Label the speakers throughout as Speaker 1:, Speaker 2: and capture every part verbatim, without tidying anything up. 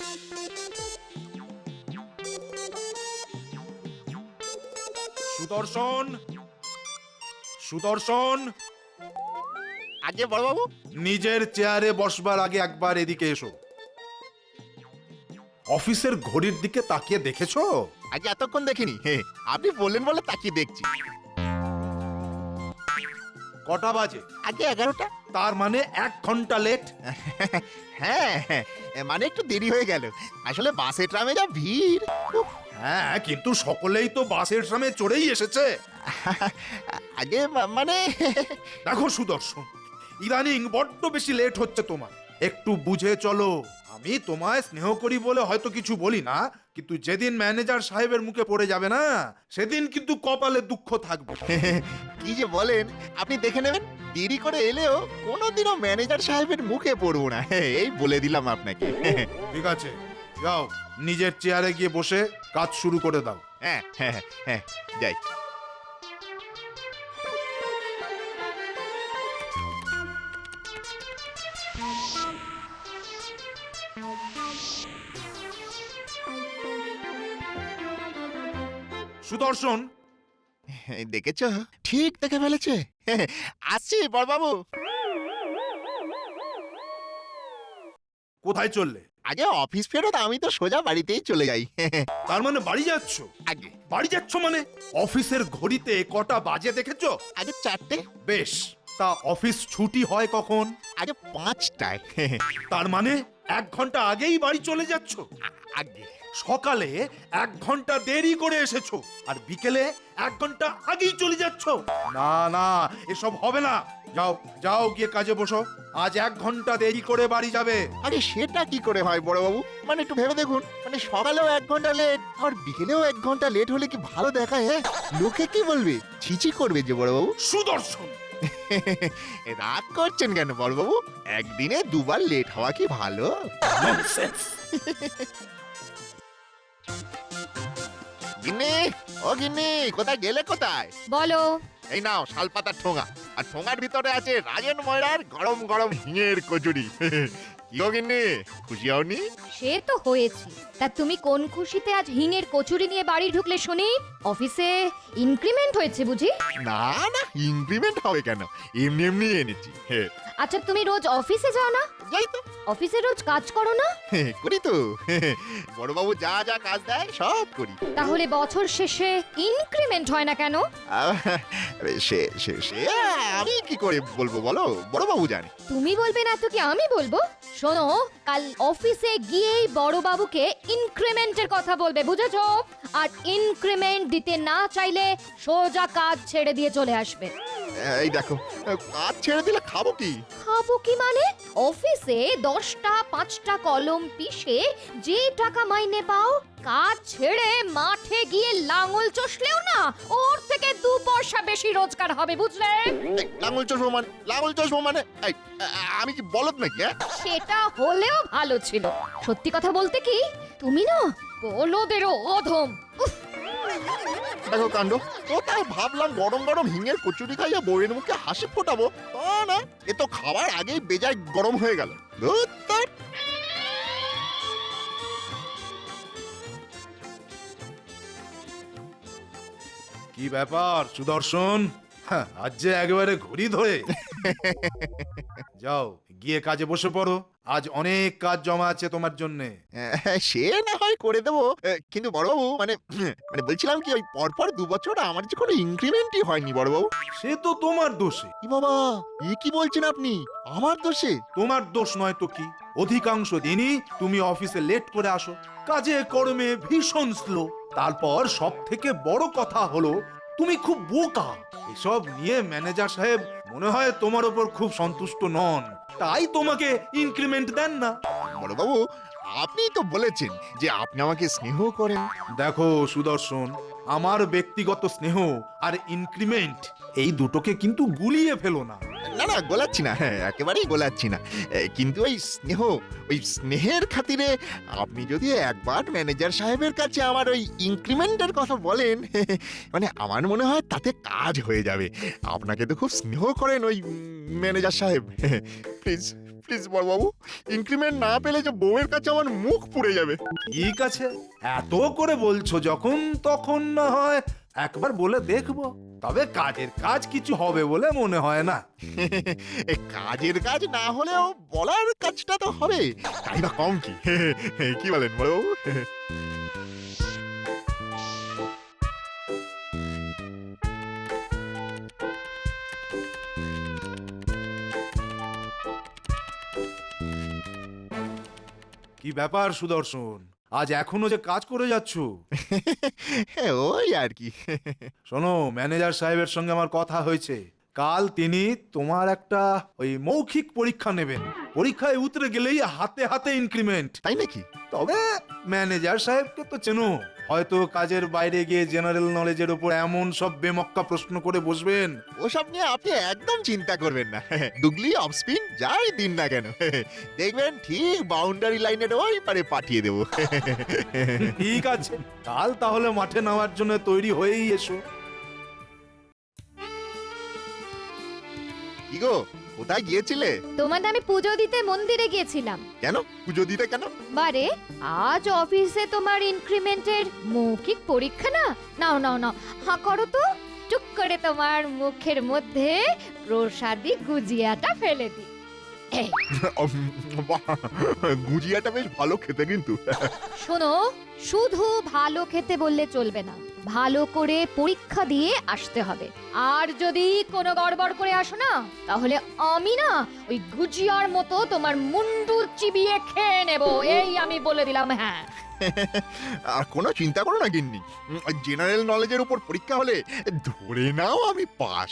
Speaker 1: সুদর্শন, সুদর্শন,
Speaker 2: আগে বড়বাবু।
Speaker 1: নিজের চেয়ারে বসবার আগে একবার এদিকে এসো। অফিসের ঘড়ির দিকে তাকিয়ে দেখেছো?
Speaker 2: আগে এতক্ষণ দেখিনি। হে, আপনি বললেন বলে তাকিয়ে দেখছি।
Speaker 1: কটা বাজে?
Speaker 2: আগে এগারোটা।
Speaker 1: তার মানে এক ঘন্টা লেট।
Speaker 2: হ্যাঁ হ্যাঁ, মানে একটু দেরি হয়ে গেল, আসলে বাসে ট্রামে যা ভিড়। উফ,
Speaker 1: হ্যাঁ, কিন্তু সকলেই তো বাসের সামনে চড়েই এসেছে।
Speaker 2: আগে মা- মানে
Speaker 1: দেখো সুদর্শন, ইদানিং বড্ড বেশি লেট হচ্ছে তোমার, একটু বুঝে চলো। আমি তোমায় স্নেহ করি বলে হয়তো কিছু বলি না, কিন্তু যেদিন ম্যানেজার সাহেবের মুখে পড়ে যাবে না, সেদিন কিন্তু কপালে দুঃখ থাকবে।
Speaker 2: কি যে বলেন, আপনি দেখে নেবেন, দেরি করে এলেও কোনোদিনও ম্যানেজার সাহেবের মুখে পড়বো না, এই বলে দিলাম আপনাকে।
Speaker 1: ঠিক আছে, যাও নিজের চেয়ারে গিয়ে বসে কাজ শুরু করে দাও।
Speaker 2: হ্যাঁ হ্যাঁ হ্যাঁ, যাই।
Speaker 1: সুদর্শন,
Speaker 2: দেখেছ, ঠিক দেখে ফেলেছে। আসছি বড়বাবু।
Speaker 1: কোথায় চললে?
Speaker 2: আগে অফিস ফেরত আমি তো সোজা বাড়িতেই চলে যাই।
Speaker 1: তার মানে বাড়ি যাচ্ছ?
Speaker 2: আগে
Speaker 1: বাড়ি যাচ্ছ মানে অফিসের ঘড়িতে কটা বাজে দেখেছো?
Speaker 2: আগে চারটে।
Speaker 1: বেশ, তা অফিস ছুটি হয় কখন?
Speaker 2: আগে পাঁচটায়।
Speaker 1: তার মানে এক ঘন্টা আগেই বাড়ি চলে যাচ্ছ।
Speaker 2: আগে
Speaker 1: সকালে এক ঘন্টা দেরি করে এসেছো, আর বিকেলে এক ঘন্টা আগেই চলে যাচ্ছ। না না, এসব হবে না। যাও যাও, গিয়ে কাজে বসো। আজ এক ঘন্টা দেরি করে বাড়ি যাবে।
Speaker 2: আরে সেটা কি করে হয় বড়বাবু? মানে একটু ভেবে দেখুন, মানে সকালেও এক ঘন্টা লেট আর বিকেলেও এক ঘন্টা লেট হলে কি ভালো দেখায়? হ্যাঁ, লোকে কি বলবে? ছিছি করবে যে বড়বাবু।
Speaker 1: সুদর্শন,
Speaker 2: রাগ করছেন কেন বড়বাবু? একদিনে দুবার লেট হওয়া কি ভালো?
Speaker 1: ননসেন্স।
Speaker 2: গিন্নি, ও গিন্নি, কোথায় গেলে কোথায়?
Speaker 3: বলো।
Speaker 2: এই নাও শালপাতার ঠোঙা, আর ঠোঙার ভিতরে আছে রাজেন ময়রার গরম গরম হিঙের কচুরি। কি গো গিন্নি, খুশি হওনি?
Speaker 3: সে তো হয়েছি। তা তুমি কোন খুশিতে আজ হিঙের কচুরি নিয়ে বাড়ি ঢুকলে শুনি? অফিসে ইনক্রিমেন্ট হয়েছে বুঝি?
Speaker 2: না না, ইনক্রিমেন্ট হবে কেন, এমনি এমনি এনেছি। হে,
Speaker 3: আচ্ছা, তুমি রোজ অফিসে যাও না?
Speaker 2: যাই তো।
Speaker 3: অফিসে রোজ কাজ করো না?
Speaker 2: হে, করি তো। বড়বাবু যা যা কাজ দেয় সব করি।
Speaker 3: তাহলে বছর শেষে ইনক্রিমেন্ট হয় না কেন?
Speaker 2: আহ, সে সে সে আমি কি করে বলবো বলো, বড়বাবু জানে।
Speaker 3: তুমি বলবে না তো কি আমি বলবো? শোনো, কাল অফিসে গিয়েই বড় বাবুকে ইনক্রিমেন্টের কথা বলবে, বুঝেছো? আর ইনক্রিমেন্ট দিতে না চাইলে সোজা কাজ ছেড়ে দিয়ে চলে আসবে।
Speaker 2: এই দেখো, কাজ ছেড়ে দিলে খাবো কি?
Speaker 3: খাবো কি মানে? অফিসে দশটা পাঁচটা কলম পিষে যে টাকা মাইনে পাও, কাজ ছেড়ে মাঠে গিয়ে লাঙল চষলেও না ওর থেকে দু পয়সা বেশি রোজগার হবে, বুঝলে?
Speaker 2: এই, লাঙল চষবো মানে, লাঙল চষবো মানে, এই, আ- আমি কি বলদ নাকি? হ্যাঁ?
Speaker 3: সেটা হলেও ভালো ছিল। সত্যি কথা বলতে কি, তুমি না বলদেরও অধম। উফ,
Speaker 2: দেখো কাণ্ড, কোথায় ভাবলাম গরম গরম হিঙের কচুরি খাইয়া বউয়ের মুখে হাসি ফোটাবো, তা না, এ তো খাবার আগেই বেজায় গরম হয়ে গেল। ধুর, ধুর।
Speaker 1: কি ব্যাপার সুদর্শন, হ্যাঁ, আজ যে একেবারে ঘড়ি ধরে। যাও গিয়ে কাজে বসে পড়ো, আজ অনেক কাজ জমা আছে তোমার জন্যে।
Speaker 2: হ্যাঁ, সে না হয় করে দেবো, এ, কিন্তু বড়বাবু মানে মানে বলছিলাম কি, ওই পরপর দু বছর আমার যে কোনো ইনক্রিমেন্টই হয়নি বড়বাবু।
Speaker 1: সে তো তোমার দোষে।
Speaker 2: কি বাবা, এ কি বলছেন আপনি? আমার দোষে?
Speaker 1: তোমার দোষ নয় তো কি? অধিকাংশ দিনই তুমি অফিসে লেট করে আসো, কাজে কর্মে ভীষণ স্লো। তারপর সব থেকে বড় কথা হলো তুমি খুব বোকা। এসব নিয়ে ম্যানেজার সাহেব মনে হয় তোমার উপর খুব সন্তুষ্ট নন, তাই তোমাকে ইনক্রিমেন্ট দেন না।
Speaker 2: বড়বাবু, আপনিই তো বলেছেন যে আপনি আমাকে স্নেহ করেন।
Speaker 1: দেখো সুদর্শন, আমার ব্যক্তিগত স্নেহ আর ইনক্রিমেন্ট এই দুটোকে কিন্তু গুলিয়ে ফেলো না।
Speaker 2: না না, গোলাচ্ছি না, হ্যাঁ, একেবারেই গোলাচ্ছি না। এ, কিন্তু ওই স্নেহ, ওই স্নেহের খাতিরে আপনি যদি একবার ম্যানেজার সাহেবের কাছে আমার ওই ইনক্রিমেন্টের কথা বলেন, মানে আমার মনে হয় তাতে কাজ হয়ে যাবে। আপনাকে তো খুব স্নেহ করেন ওই ম্যানেজার সাহেব। প্লিজ প্লিজ বড়বাবু, ইনক্রিমেন্ট না পেলে যে বউয়ের কাছে আমার মুখ পুড়ে যাবে।
Speaker 1: ঠিক আছে, এত করে বলছো যখন, তখন না হয় একবার বলে দেখবো। তবে কাজের কাজ কিছু হবে বলে মনে হয় না।
Speaker 2: এ কাজের কাজ না হলেও বলার কাজটা তো হবে, তাই বা কম কি? কি বলেন বড়বাবু?
Speaker 1: কি ব্যাপার সুদর্শন, আজ এখনো যে কাজ করে যাচ্ছ?
Speaker 2: ওই আর কি।
Speaker 1: শোনো, ম্যানেজার সাহেবের সঙ্গে আমার কথা হয়েছে। কাল তিনি তোমার একটা ওই মৌখিক পরীক্ষা নেবেন। পরীক্ষায় উতরে গেলেই হাতে হাতে ইনক্রিমেন্ট।
Speaker 2: তাই নাকি?
Speaker 1: তবে ম্যানেজার সাহেবকে তো চেনো, হয়তো কাজের বাইরে গিয়ে জেনারেল নলেজের উপর এমন সব বেমক্কা প্রশ্ন করে বসবেন।
Speaker 2: ওসব নিয়ে আপনি একদম চিন্তা করবেন না। ডুগলি অফ স্পিন যাই দিন না কেন, দেখবেন ঠিক বাউন্ডারি লাইনের ওই পারে পাঠিয়ে দেবো।
Speaker 1: ঠিক আছে, কাল তাহলে মাঠে নামার জন্য তৈরি হয়েই এসো।
Speaker 2: কি গো, কোথায় গিয়েছিলে?
Speaker 3: তোমার নামে পুজো দিতে মন্দিরে গিয়েছিলাম।
Speaker 2: কেন পুজো দিতে কেন?
Speaker 3: বারে, আজ অফিসে তোমার ইনক্রিমেন্টের মৌখিক পরীক্ষা না? নাও নাও নাও, হাঁ করো তো। টুক করে তোমার মুখের মধ্যে প্রসাদী গুজিয়াটা ফেলে দি। এই,
Speaker 2: বাহ, গুজিয়াটা বেশ ভালো খেতে কিন্তু।
Speaker 3: শোনো, শুধু ভালো খেতে বললে চলবে না, ভালো করে পরীক্ষা দিয়ে আসতে হবে। আর যদি কোনো গড়বড় করে আসো না, তাহলে আমি না ওই গুজিয়ার মতো তোমার মুন্ডু চিবিয়ে খেয়ে নেব, এই আমি বলে দিলাম। হ্যাঁ,
Speaker 2: আর কোনো চিন্তা করো না গিন্নি, জেনারেল নলেজের উপর পরীক্ষা হলে ধরে নাও আমি পাস।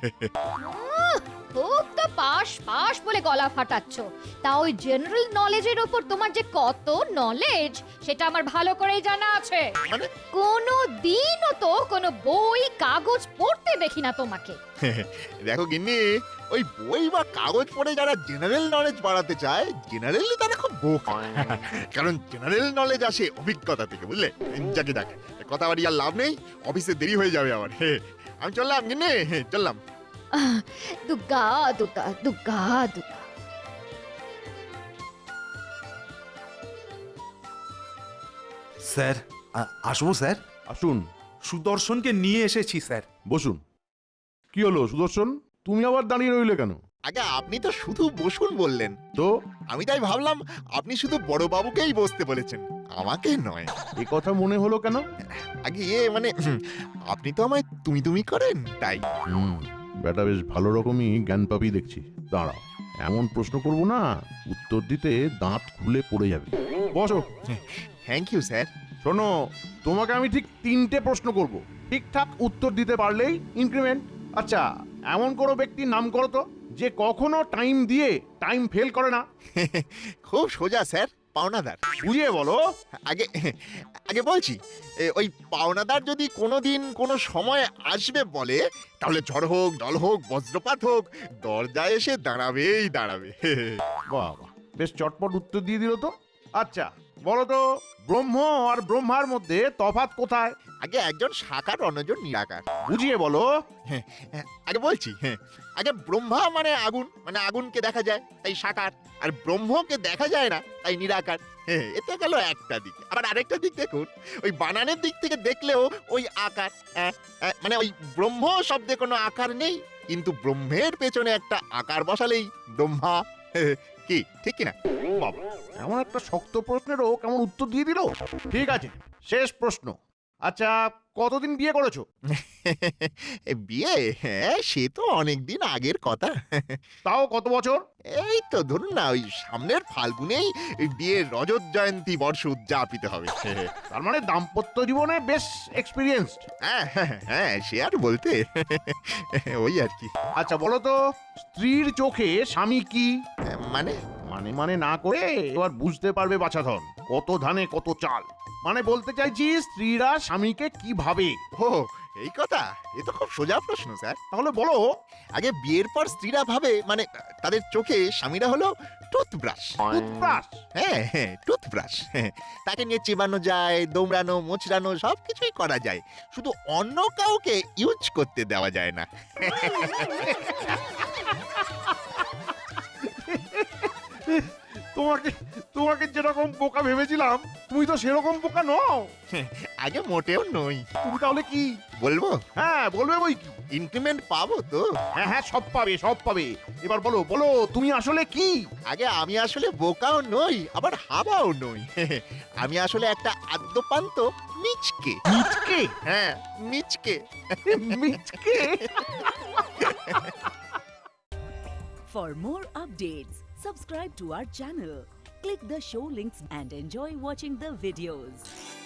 Speaker 3: খুব তো পাশ পাশ বলে গলা ফাটাচ্ছ, তা ওই জেনারেল নলেজের ওপর তোমার যে কত নলেজ সেটা আমার ভালো করেই জানা আছে।
Speaker 2: মানে?
Speaker 3: কোনো দিনও তো কোনো বই কাগজ পড়তে দেখি না তোমাকে।
Speaker 2: দেখো গিন্নি, ওই বই বা কাগজ পড়ে যারা জেনারেল নলেজ বাড়াতে চায়, জেনারেলি তারা খুব বোকা। কারণ জেনারেল নলেজ আসে অভিজ্ঞতা থেকে, বুঝলে? যাকে যাক, কথা বাড়ি আর লাভ নেই, অফিসে দেরি হয়ে যাবে আমার। আমি চললাম গিন্নি, চললাম।
Speaker 3: আহ, দুগ্গা দুগ্গা দুগ্গা দুগ্গা।
Speaker 1: স্যার, আ- আসবো স্যার?
Speaker 4: আসুন,
Speaker 1: সুদর্শনকে নিয়ে এসেছি স্যার।
Speaker 4: বসুন। কি হলো সুদর্শন, তুমি আবার দাঁড়িয়ে রইলে কেন?
Speaker 2: আগে আপনি তো শুধু বসুন বললেন,
Speaker 4: তো
Speaker 2: আমি তাই ভাবলাম আপনি শুধু বড় বাবুকেই বসতে বলেছেন, আমাকে নয়।
Speaker 4: এ কথা মনে হলো কেন?
Speaker 2: আগে ইয়ে মানে হুম, আপনি তো আমায় তুমি তুমি করেন, তাই।
Speaker 4: হুম, বেটা বেশ ভালো রকমই জ্ঞান পাবি দেখছি। দাঁড়াও, এমন প্রশ্ন করব না, উত্তর দিতে দাঁত খুলে পড়ে যাবে। বসো।
Speaker 2: Thank you sir.
Speaker 4: শোনো, তোমাকে আমি ঠিক তিনটে প্রশ্ন করব, ঠিকঠাক উত্তর দিতে পারলেই ইনক্রিমেন্ট। আচ্ছা, এমন কোনো ব্যক্তির নাম করো তো যে কখনো টাইম দিয়ে টাইম ফেল করে না।
Speaker 2: খুব সোজা স্যার, পাওনাদার।
Speaker 4: বুঝিয়ে বলো।
Speaker 2: আগে আগে বলছি, এ, ওই পাওনাদার যদি কোনোদিন কোনো সময় আসবে বলে, তাহলে ঝড় হোক, জল হোক, বজ্রপাত হোক, দরজায় এসে দাঁড়াবেই দাঁড়াবে।
Speaker 4: বাহ বাহ, বেশ চটপট উত্তর দিয়ে দিল তো। আচ্ছা বলো তো, ব্রহ্ম আর ব্রহ্মার মধ্যে তফাৎ কোথায়?
Speaker 2: আগে একজন সাকার, অন্যজন নিরাকার।
Speaker 4: বুঝিয়ে বলো।
Speaker 2: হ্যাঁ, আগে বলছি, হ্যাঁ, আগে ব্রহ্মা মানে আগুন, মানে আগুনকে দেখা যায় তাই সাকার, আর ব্রহ্মকে দেখা যায় না তাই নিরাকার। হ্যাঁ, এটা গেল একটা দিক। আবার আরেকটা দিক দেখুন, ওই বানানের দিক থেকে দেখলেও ওই আকার, হ্যাঁ, হ্যাঁ, মানে ওই ব্রহ্ম শব্দে কোনো আকার নেই, কিন্তু ব্রহ্মের পেছনে একটা আকার বসালেই ব্রহ্মা। কি ঠিক কিনা?
Speaker 4: বাবা, এমন একটা শক্ত প্রশ্নেরও কেমন উত্তর দিয়ে দিল। ঠিক আছে, শেষ প্রশ্ন। আচ্ছা, কতদিন বিয়ে করেছো?
Speaker 2: বিয়ে? হ্যাঁ, সে তো অনেকদিন আগের কথা।
Speaker 4: তাও কত বছর?
Speaker 2: এই তো ধরুন না, ওই সামনের ফাল্গুনেই বিয়ের রজত জয়ন্তী বর্ষ উদযাপিত হবে।
Speaker 4: তার মানে দাম্পত্য জীবনে বেশ এক্সপিরিয়েন্সড।
Speaker 2: হ্যাঁ হ্যাঁ হ্যাঁ, সে আর বলতে, ওই আর কি।
Speaker 4: আচ্ছা বলো তো, স্ত্রীর চোখে স্বামী কি?
Speaker 2: মানে?
Speaker 4: মানে মানে না করে এবার বুঝতে পারবে বাছাধন, কত ধানে কত চাল। মানে বলতে চাইছি, স্ত্রীরা স্বামীকে কি ভাবে।
Speaker 2: ও, এই কথা? এ তো খুব সোজা প্রশ্ন স্যার।
Speaker 4: তাহলে বলো।
Speaker 2: আগে বিয়ের পর স্ত্রীরা ভাবে, মানে তাদের চোখে স্বামীরা হলো টুথব্রাশ।
Speaker 4: টুথব্রাশ?
Speaker 2: হ্যাঁ হ্যাঁ, টুথব্রাশ। তাকে নিয়ে চিবানো যায়, দৌড়ানো, মোচড়ানো সব কিছুই করা যায়, শুধু অন্য কাউকে ইউজ করতে দেওয়া যায় না।
Speaker 4: তোমাকে তোমাকে যেরকম বোকা ভেবেছিলাম তুমি তো সেরকম বোকা নও।
Speaker 2: আগে মোটেও নই।
Speaker 4: তুমি তাহলে কি?
Speaker 2: বলবো
Speaker 4: হ্যাঁ বলবে বই কি।
Speaker 2: ইনক্রিমেন্ট পাবো তো?
Speaker 4: হ্যাঁ হ্যাঁ সব পাবে সব পাবে। এবার বলো বলো তুমি আসলে কি?
Speaker 2: আগে আমি আসলে বোকাও নই আবার হাবাও নই। আমি আসলে একটা আদ্যপান্ত মিচকে।
Speaker 4: মিচকে?
Speaker 2: হ্যাঁ মিচকে।
Speaker 4: মিচকে?
Speaker 5: For more updates, subscribe to our channel, click the show links and enjoy watching the videos.